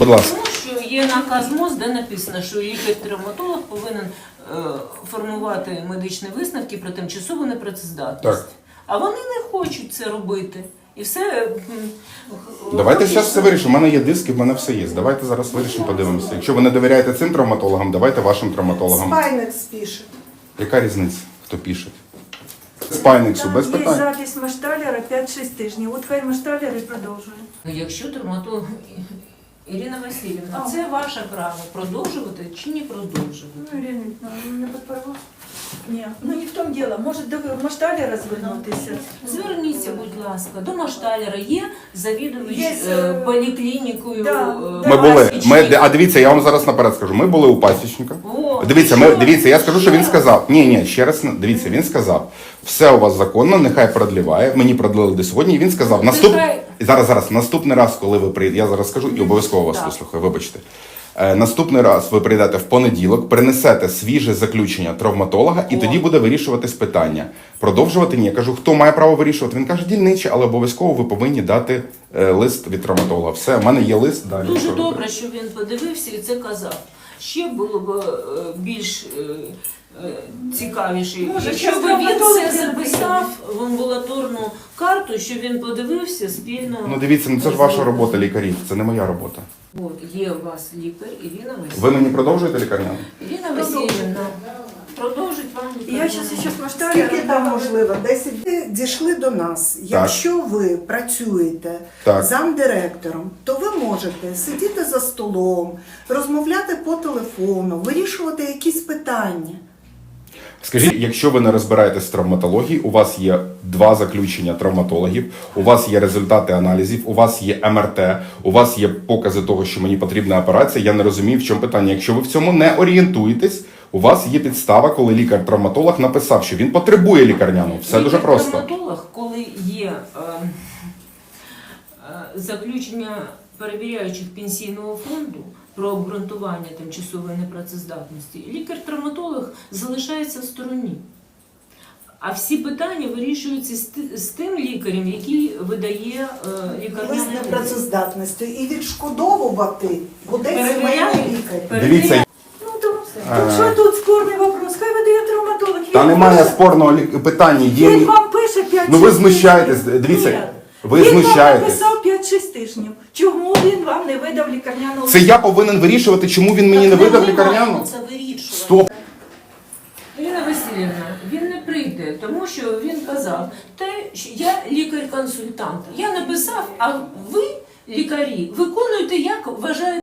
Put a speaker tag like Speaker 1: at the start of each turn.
Speaker 1: Будь ласка.
Speaker 2: Тому що є наказ МОЗ, де написано, що лікар-травматолог повинен формувати медичні висновки про тимчасову непрацездатність.
Speaker 1: Так.
Speaker 2: А вони не хочуть це робити. І все...
Speaker 1: Давайте зараз все вирішимо. У мене є диски, в мене все є. Давайте зараз вирішимо, подивимося. Якщо ви не довіряєте цим травматологам, давайте вашим травматологам.
Speaker 3: Спайнекс пише.
Speaker 1: Яка різниця, хто пише? Спайнексу, без
Speaker 3: Там є
Speaker 1: питань.
Speaker 3: запис Машталера 5-6 тижнів. От хай Машталер і продовжує.
Speaker 2: Якщо травматолог... Ірина Васильівна, це ваше право продовжувати чи не продовжувати?
Speaker 3: Ну, Ірина, не підпорвав? Ні, ну не в тому діло. Може до Машталера звернутися?
Speaker 2: Зверніться, будь ласка, до Машталера є завідувач
Speaker 3: Є,
Speaker 2: поліклінікою.
Speaker 3: да,
Speaker 1: Ми були. А дивіться, я вам зараз наперед скажу. Ми були у пасічника. Дивіться, я скажу, що він сказав. Ні, ще раз, дивіться, він сказав, все у вас законно, нехай продліває. Мені продлили до сьогодні, і він сказав, наступний раз, коли ви прийдете, я зараз скажу і обов'язково вас вислухаю, вибачте. Наступний раз ви прийдете в понеділок, принесете свіже заключення травматолога, і тоді буде вирішуватись питання. Продовжувати ні. Я кажу, хто має право вирішувати? Він каже, дільничий, але обов'язково ви повинні дати лист від травматолога. Все, в мене є лист. Далі.
Speaker 2: Дуже добре, що він подивився і це казав. Ще було б більш цікавіше, якщо б він це записав в амбулаторну карту, що він подивився спільно.
Speaker 1: Ну дивіться, це ж ваша робота лікарів, це не моя робота.
Speaker 2: От, є у вас лікар Ірина Васильівна.
Speaker 1: Ви мені продовжуєте лікарняну?
Speaker 2: Ірина Васильівна, продовжить вам
Speaker 3: Я
Speaker 2: лікарняну.
Speaker 3: зараз Машталера.
Speaker 4: Скільки там можливо? 10 дійшли до нас. Якщо ви працюєте замдиректором, то ви можете сидіти за столом, розмовляти по телефону, вирішувати якісь питання.
Speaker 1: Скажіть, якщо ви не розбираєтесь в травматології, у вас є 2 заключення травматологів, у вас є результати аналізів, у вас є МРТ, у вас є покази того, що мені потрібна операція, я не розумію, в чому питання. Якщо ви в цьому не орієнтуєтесь, у вас є підстава, коли лікар-травматолог написав, що він потребує лікарняну. Все дуже просто.
Speaker 2: Лікар-травматолог, коли є заключення перевіряючих пенсійного фонду про обґрунтування тимчасової непрацездатності, лікар-травматолог залишається в стороні. А всі питання вирішуються з тим лікарем, який видає лікарняний
Speaker 4: Лист непрацездатності і відшкодовувати буде сімейний лікар.
Speaker 1: Дивіться.
Speaker 3: Ну то що тут спорний вопрос? Хай видає травматолог.
Speaker 1: Та немає спорного питання.
Speaker 3: Він вам пише 5-6
Speaker 1: Ну ви знущаєтесь, дивіться, ви
Speaker 3: Він вам
Speaker 1: знущаєтесь.
Speaker 3: написав 5-6 тижнів. Чому він вам не видав лікарняну?
Speaker 1: Це я повинен вирішувати, чому він мені не видав лікарняну?
Speaker 2: Це вирішувати.
Speaker 1: Стоп.
Speaker 2: Ірина Васильівна, він не прийде, тому що він казав, що я лікар-консультант. Я написав, а ви, лікарі, виконуєте, як вважаєте.